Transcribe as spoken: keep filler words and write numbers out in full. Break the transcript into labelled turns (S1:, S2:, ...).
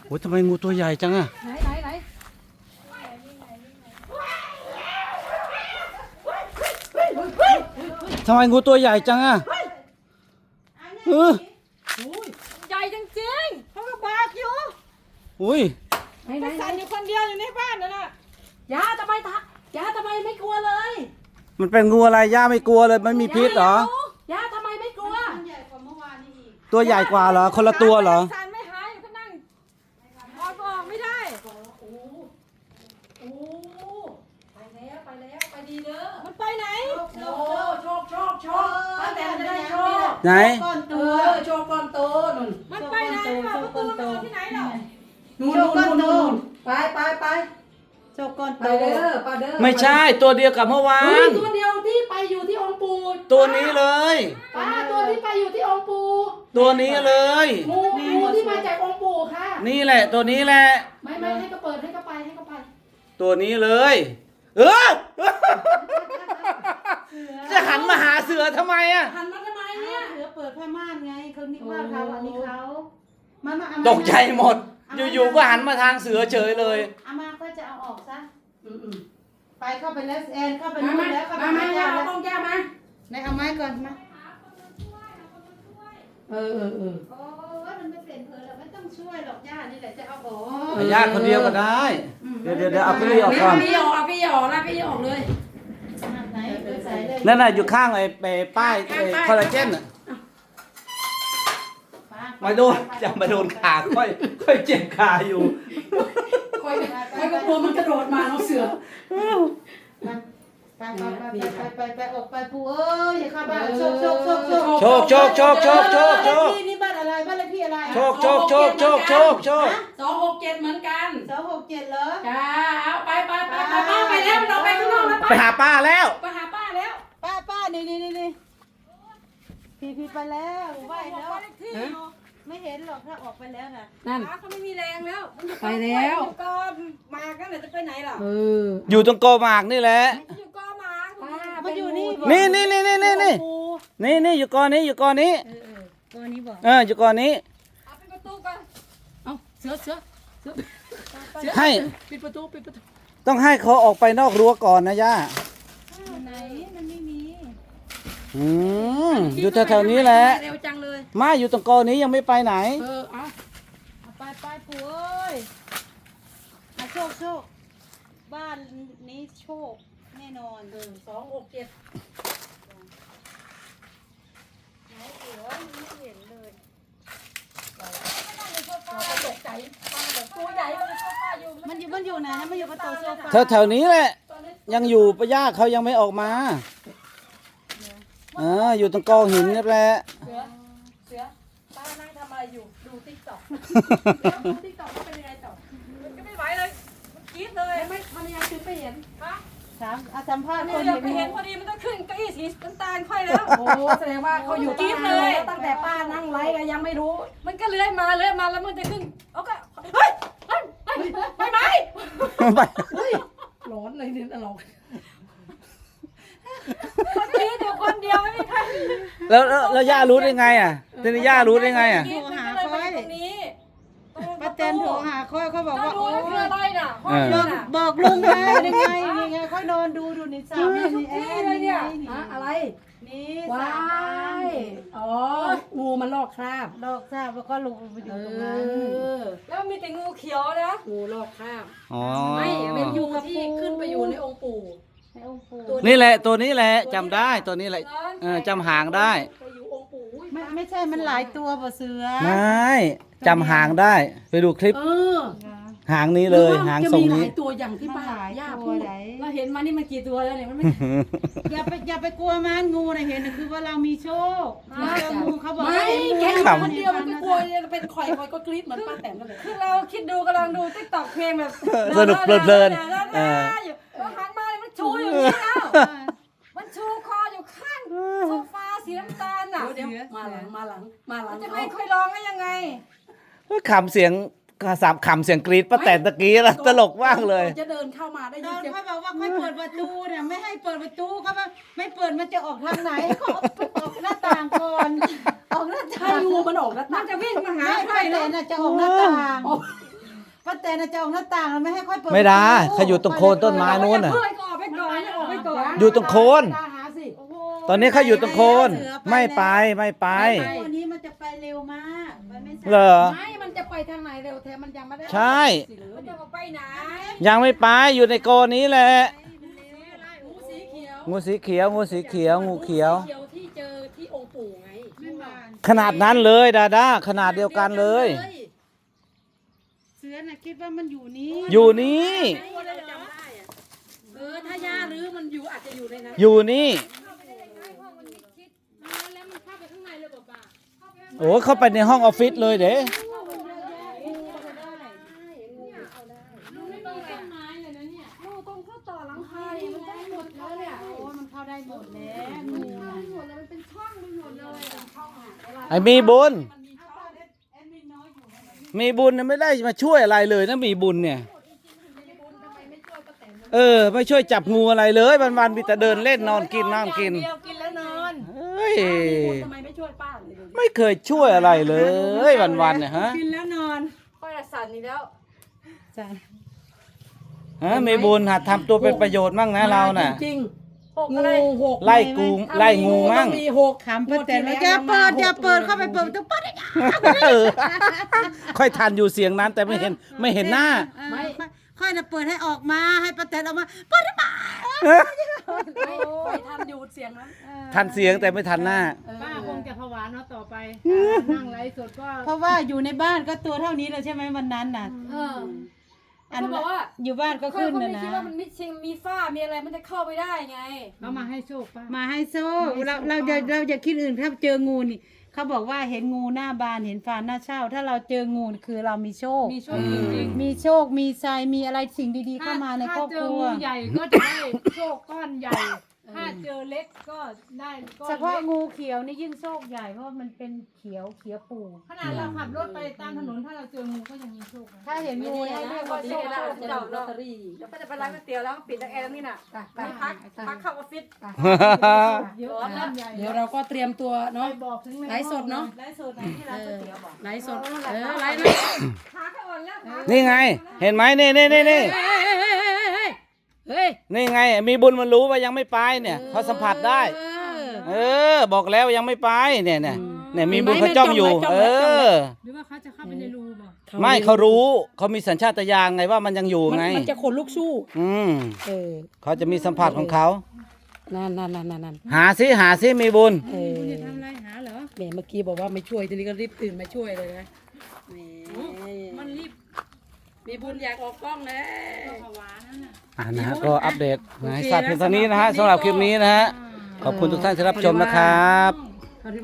S1: โอ้ยทำไมงูตัวใหญ่จังอะ
S2: ไหนไหนไหน
S1: ทำไมงูตัวใหญ่จังอะเออ
S2: ใหญ่จริงๆเขาก็บอกอยู่
S1: อุ้ย
S2: ไหนไหนสั่นอยู่คนเดียวอยู่ในบ้านนั่นน่ะยาทำไมทะยาทำไมไม่กลัวเลย
S1: มันเป็นงูอะไรย่าไม่กลัวเลยมันมีพิษเหร
S2: อยาทำไมไม่กลัว
S1: ตัวใหญ่กว่าเหรอคนละตัวเหรอ
S2: สั่นไม่หายก็นั่งออกออกไม่ได้โอ้โอ้ไปแล้วไปแล้วไปดีเด้อมันไปไหนโอ้โชคโชคโชคป้าแตนจะได้โชค
S1: ไหน
S2: ก้อนตัวโชคก้อนโตนุ่นมันไปไหนโชคก้อนโตที่ไหนหรอนู่นนู่นนู่นไปไปไปโชคก้อนโตเด้อป้าเด้อ
S1: ไม่ใช่ตัวเดียวกับเมื่อวาน
S2: ตัวเดียวที่ไปอยู่ที่องค์ปู่
S1: ตัวนี้เลย
S2: ป้าตัวที่ไปอยู่ที่องค์ปู่
S1: ตัวนี้เลย
S2: งูงูที่มาจากองค์ปู่ค่ะ
S1: นี่แหละตัวนี้แหละ
S2: ไม่ไม่ให้ก็เปิดให้ก็ไปให้ก็ไป
S1: ตัวนี้เลยเออจะหันมาหาเสือทำไมอ่ะ
S2: หันมาทำไมเนี่ย
S3: เสือเปิดผ้าม่านไงเขานิกว่าเขาอันนี้เขามามา
S1: ตกใจหมดอยู่ๆก็หันมาทางเสือเฉยเลย
S3: อามาก็จะเอาออกซะไปเข้าไปแล้วแอนเข้าไปนู่นแล้วเข้าไป
S2: มามาเอาต้องแก้มา
S3: ไหนเอาไม้ก่อนมา
S2: เออเออเออ
S3: โอ้ยมันไม่เป็นเพลินหรอกไม่ต้องช่วยหรอกย่านี่แหละจะเอาอ
S1: อกญาติคนเดียวก็ได้เดี๋ยวเดี๋ยวเอาพี่ออกก่อน
S2: พี่ออกพี่ออกแล้วพี่ออกเลย
S3: ไหนใส่เลย
S1: นั่นน่ะอยู่ข้างไอ้ป้ายคอลลาเจนอ่ะมาโดนจะมาโดนขาค่อยค่อยเจ็บขาอยู่
S2: ค่อยค่อยก็กลัวมันกระโดดมาเอาเสือ
S3: ไปไปไปไปไปออกไปปูเอ้ยอย่าเข้าบ้านโชคโชคโชคโชค
S1: โชคโชคโชคโชคโชคโชค
S3: ที่นี่บ้านอะไรบ้านเลขที่อะไร
S1: โชคโชคโชคโชคโชคโชค
S2: สองหกเจ็ดเหมือนกัน
S3: สองหกเจ็ดเหรอ
S2: จ้าเอาไปไปไปไปป้าไปแล้วเราไปข้างนอกแล้ว
S1: ไปหาป้าแล้ว
S2: ไปหาป้าแล้ว
S3: ป้าป้านี่นี่นี่นี่พี่พี่ไปแล้วไหวแล้วไม่เห็นหรอกถ้าออกไปแล้วน่ะ
S2: นั่นเขาไม่มีแรงแล้วไปแล้วก็มากันเลยจะไปไหนล่ะเออ
S1: อยู่ตรงกอหมากนี่แหละ
S2: อยู่กอหมาก
S3: มันอยู่นี่
S1: นี่นี่นี่นี่นี่นี่นี่นี่อยู่กอนี้อยู่กอนี้
S3: เออเออกอนี้บอก
S1: เอออยู่กอนี้
S2: เอาปิดประตูก่อนเอาเสือเสือเสือ
S1: ให้
S2: ปิดประตูปิดประตู
S1: ต้องให้เขาออกไปนอกรั้วก่อนนะย่า
S3: ไหนมันไม่มี
S1: อืมอยู่แถวๆนี้แหละ
S2: เร็วจังเลย
S1: มาอยู่ตรงกอนี้ยังไม่ไปไหน
S2: เออเอา
S3: ไปไปปู่เอ้ยโชคโชคบ้านนี้โชคแน่นอน
S2: เออสองหกเจ็ด
S3: ไหนเสือไม่เห็นเลย
S2: ตกใจตัวใหญ่มันโซฟาอยู่
S3: มันอยู่มันอยู่ไหนนะมันอยู่ประตูโซฟา
S1: แถวๆนี้แหละยังอยู่ปะย่าเขายังไม่ออกมาอ่าอยู่ตรงกอหินนี่แหละ
S2: เสือเสือป้านั่งทำอะไรอยู่ดูติ๊กต็อกดูติ๊กต็อกเป็นยังไงต่อมันก็ไม่ไหวเลยมันกรี๊ดเลยไม่มันยังถึงไปเห็นฮะ
S3: ถามอาสัมภาษณ์คน
S2: เดียวไปเห็นพอดีมันต้องขึ้นเก้าอี้สีน้ำตาลค่อยแล้วโอ้แสดงว่าเขาอยู่กรี๊ดเลยตั้งแต่ป้านั่งไลฟ์ก็ยังไม่รู้มันก็เลื้อยมาเลื้อยมาแล้วมันจะขึ้นเอาก็เฮ้ยเฮ้ยไปไหม
S1: ไป
S2: ร้อนเลยเนี่ยตลกคนนี้เดี๋ยวคนเดียวไม่มีใคร
S1: แล้วแล้วย่ารู้ได้ไงอ่ะทีนี้ย่ารู้ได้ไงอ่ะ
S3: โทรหาค่อยป้าแตนโทรหาค่อยเขาบอกว่าโอ้ย
S2: อะไรน่ะ
S3: บอกลุงมายังไงยังไงค่อยนอนดูดูในสาวนี่
S2: นี่อะไรเนี่ยอะไร
S3: นี่
S2: ว้ายอ๋องูมันลอกคราบ
S3: ลอกคราบแล้วก็ลงไปอยู่ตรงนั้น
S2: แล้วมีแต่งูเขียวนะงูลอกคราบไม่เป็นงูที่ขึ้นไปอยู่ในองค์ปู่
S1: นี่แหละตัวนี้แหละจำได้ตัวนี้แหละเออจำหางได้
S3: ไม่ไม่ใช่มันหลายตัวป่ะเสือ
S1: ไม่จำหางได้ไปดูคลิปหางนี้เลยหางทรงนี้
S2: ตัวอย่างที่ป้าย่าพูดเราเห็นมานี่มันกี่ตัวแล้วเนี่ยมันไม่
S3: อย่าไปอย่าไปกลัวมันงูนะเห็นคือว่าเรามีโชคงูเขาบอก
S2: ไม่แค่คนเดียวมันก็กลัวเป็นข่อยข่อยก็กรี๊ดเหมือนป้าแตนกันเลยคือเราคิดดูกำลังดูติ๊กต็อกเพลงแบบ
S1: สนุกเพลิน
S2: ๆเออหันมามันชูอยู่นี่แล้วมันชูคออยู่ข้างโซฟาสีน้ำตาลน่ะเดี๋ยวมาหลังมาหลังมาหลังจะไม่ค่อยร้องได้ยังไง
S1: ขำเสียงสามขำเสียงกรี๊ดป้าแตนตะกี้แล้วตลกมากเลย
S2: จะเดินเข้ามาได้ยินเสียง
S3: เขาบอกว่าไม่เปิดประตูเนี่ยไม่ให้เปิดประตูเขาว่าไม่เปิดมันจะออกทางไหนเขาออกหน้าต่างก่อนออกหน้าต่าง
S2: งูมันออกหน้าต่างจะวิ่งมาหาใคร
S3: เลยน่ะจะออกหน้าต่างป้าแตนจะออกหน้าต่างแล้วไม่ให้ค่อยเปิด
S1: ไม่ได้เขาอยู่ตรงโคนต้นไม้นู้นน่ะ
S2: เพื่อนก็ออกไปก่อนออกไปก่อน
S1: อยู่ตรงโคน
S2: ตาหาสิ
S3: โอ้โห
S1: ตอนนี้เขาอยู่ตรงโคน ไม่ไปไม่ไป
S3: วันนี้มันจะไปเร็วมากมันไม่ใช่
S1: เหรอ
S2: ไม่มันจะไปทางไหนเร็วแท้มันยังไม่ได้
S1: ใช่
S2: มันจะไปไหน
S1: ยังไม่ไปอยู่ในโกนี้แหละ
S2: งูสีเขียว
S1: งูสีเขียวงูสีเขียวงูเขียว
S2: เขียวที่เจอที่องค์ปู่ไง
S1: ขนาดนั้นเลยดาด้าขนาดเดียวกันเลย
S3: เสือน่ะคิดว่ามันอยู่นี้
S1: อยู่นี่
S2: เออถ้าย่ารื้อมันอยู่อาจจะอยู่ในนั้น
S1: อยู่นี่
S2: แล้วมันเข้าไปข้างในเลยป่ะ
S1: โอ้เข้าไปในห้องออฟฟิศเลยเด้
S2: ลุงไม่มีต้นไม้เลยนะเนี่ยลูกต้องเข้าต่อหลังคาดิมันได้หมดแล้วเนี่ย
S3: โอ้ยมันเข้าได้หมดแล้วงู
S2: หมดเลยมันเป็นช่องไปหมดเลยอะช่องอ่ะ
S1: ไอ้มีบุญ
S2: มันมีช่อง
S1: มีบุญน่ะไม่ได้มาช่วยอะไรเลยนะมีบุญเนี่ย เออ ไม่ช่วยจับงูอะไรเลยวันๆมีแต่เดินเล่นนอนกินนั่งกิน
S2: เดียวกินแล้วนอน
S1: เฮ้ย
S2: ทำไมไม่ช่วยป้าเลยดูดิ
S1: ไม่เคยช่วยอะไรเลยวันๆเนี่ยฮะ
S3: กินแล้วนอน
S2: ป้าจะสั่นนี่แล้ว
S3: จ้ะ
S1: ฮะมีบุญหัดทำตัวเป็นประโยชน์มั่งนะเราน่ะ
S2: จริงๆหกอะไรหก
S1: ไล่กูไล่งูมั่ง
S2: ต้องมีหก
S3: ขำป้าแตนว่าอย่าเปิดอย่าเปิดเข้าไปเปิดประตูป้าได้
S1: เออค่อยทันอยู่เสียงนั้นแต่ไม่เห็นไม่เห็นหน้า
S3: ไม่ค่อยจะเปิดให้ออกมาให้ป้าแตนออกมาเปิดได้ปะ
S2: ไม่ไปทำอยู่เสียงนั้น
S1: ทันเสียงแต่ไม่ทันหน้า
S4: ป้าคงจะผวาเนาะต่อไป นั่งไลฟ์สดก็
S3: เพราะว่าอยู่ในบ้านก็ตัวเท่านี้เลยใช่ไหมวันนั้นน่ะ
S2: เออ
S3: อัน
S2: เขาบอกว่า
S3: อยู่บ้านก็
S2: เขา
S3: ขึ้น
S2: ก็
S3: นะ
S2: ไม่
S3: นะ
S2: คิดว่ามันมีเชิงมีฝ้ามีอะไรมันจะเข้าไปได้ไง
S4: เขามาให้โชคป้า
S3: มาให้โซ่เราเราจะเราจะคิดอื่นถ้าเจองูนี่เขาบอกว่าเห็นงูหน้าบานเห็นฟานหน้าเช่า ถ้าเราเจองูนี่คือเรามีโชค
S4: มีโชคจริง
S3: มีโชคมีทรายมีอะไรสิ่งดีๆ
S4: ๆ
S3: เข้ามาในครอบครัว
S4: ถ้าเจองูใหญ่ก็จะได้โชคก้อนใหญ่ ถ้าเจอเล็กก็ได้ก้อน
S3: เฉพาะ
S4: เล็ก
S3: งูเขียวนี่ยิ่งโชคใหญ่เพราะมันเป็นเขียวเขียวปู
S4: ขนาดเราขับรถไปตามถนนถ้าเราเจองูก็ยังมีโชคนะ
S3: ถ้าเห็นงูให้เรียกว่าโชค
S2: เรา
S3: โชค
S2: จะ
S3: เจ้า
S2: ลอตเตอรี่แล้วก็จะไปร้านก๋วยเตี๋ยวแล้วก็ปิดตะแอร์นี่น่ะนี่พักพักเข้าออฟฟิศ
S4: เยอะก้อนใหญ่
S2: เดี๋ยวเราก็เตรียมตัวเนาะ
S4: ไปบอกถึง
S2: ไลฟ์สดเนาะ
S3: ไลฟ์สดที่ร้านก๋วยเตี๋ยวบอก
S2: ไลฟ์สดเออไลฟ์นะขาแค่อ่อนแล้วขา
S1: นี่ไง เห็นไหมนี่นี่นี่นี่
S2: เฮ้ย
S1: นี่ไง มีบุญมันรู้ว่ายังไม่ไปเนี่ยเขาสัมผัสได้ เออ บอกแล้วยังไม่ไปเนี่ยเนี่ยเนี่ยมีบุญเขาจ้องอยู่ เออ
S4: หรือว่าเขาจะเข้าไปในรูบ่
S1: ไม่เขารู้เขามีสัญชาตญาณไงว่ามันยังอยู่ไง
S2: มันจะขนลุกสู้
S1: อืม
S2: เออ
S1: เขาจะมีสัมผัสของเขา
S2: นั่นนั่นนั่นนั่นนั่น
S1: หาซิหาซิมีบุญ
S2: เออ
S4: คุณจะทำอะไรหาเหรอ
S2: แหมเมื่อกี้บอกว่าไม่ช่วยทีนี้ก็รีบตื่นมาช่วยเลยนะแหม
S4: มันรีบ
S2: มีบุญอยากออกกล้องแล้ว
S4: ผวานั่นน่ะ
S1: อ่านะฮะก็อัปเดตนะให้ทราบเพียงเท่านี้นะฮะสำหรับคลิปนี้นะฮะ ขอบคุณทุกท่านที่รับชมนะครับ